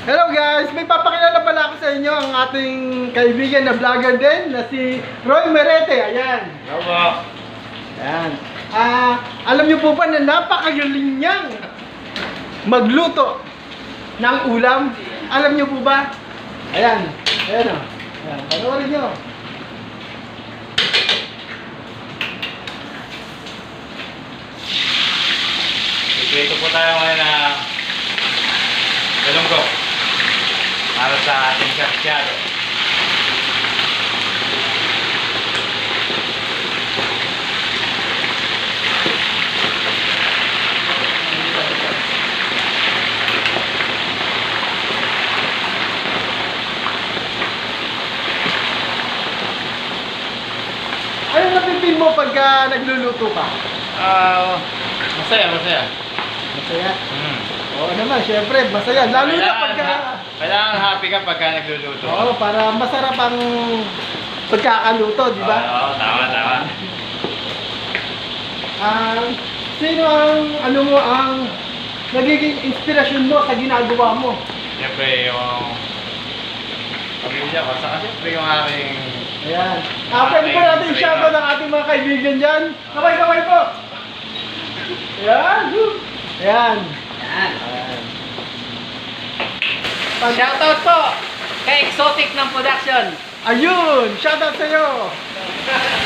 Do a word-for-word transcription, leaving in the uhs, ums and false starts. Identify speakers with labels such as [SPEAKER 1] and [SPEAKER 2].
[SPEAKER 1] Hello guys! May papakilala pala ako sa inyo ang ating kaibigan na vlogger din na si Roy Merete. Ayan.
[SPEAKER 2] Hello.
[SPEAKER 1] Ayan. Ah, alam niyo po ba na napakagaling niyang magluto ng ulam? Alam niyo po ba? Ayan. Ayan o. Ayan. Panoorin niyo.
[SPEAKER 2] Ito po tayo ngayon na galunggong para sa ating sarsyado.
[SPEAKER 1] Anong napipil mo pagka nagluluto ka?
[SPEAKER 2] Ah, masaya, masaya.
[SPEAKER 1] Masaya.
[SPEAKER 2] Hmm.
[SPEAKER 1] Oo naman, syempre, masaya. Lalo na
[SPEAKER 2] Kailangan
[SPEAKER 1] pagka...
[SPEAKER 2] ha- Kailangan happy ka pagka nagluluto.
[SPEAKER 1] Oo, para masarap ang pagkakaluto, di ba?
[SPEAKER 2] Oo, oo, tama, tama.
[SPEAKER 1] Ah, sino ang, ano mo, ang nagiging inspirasyon mo sa ginagawa mo?
[SPEAKER 2] Siyempre yung pamilya ko, saka siyempre yung aking...
[SPEAKER 1] Ayan. Ah, pwede pa natin i-shoutout ang ating mga kaibigan dyan. Kamay-kamay po! Ayan! woo! Ayan.
[SPEAKER 3] Yan.
[SPEAKER 1] Ayan. Pag-
[SPEAKER 3] Shoutout po kay Exotic ng production.
[SPEAKER 1] Ayun! Shoutout sa'yo!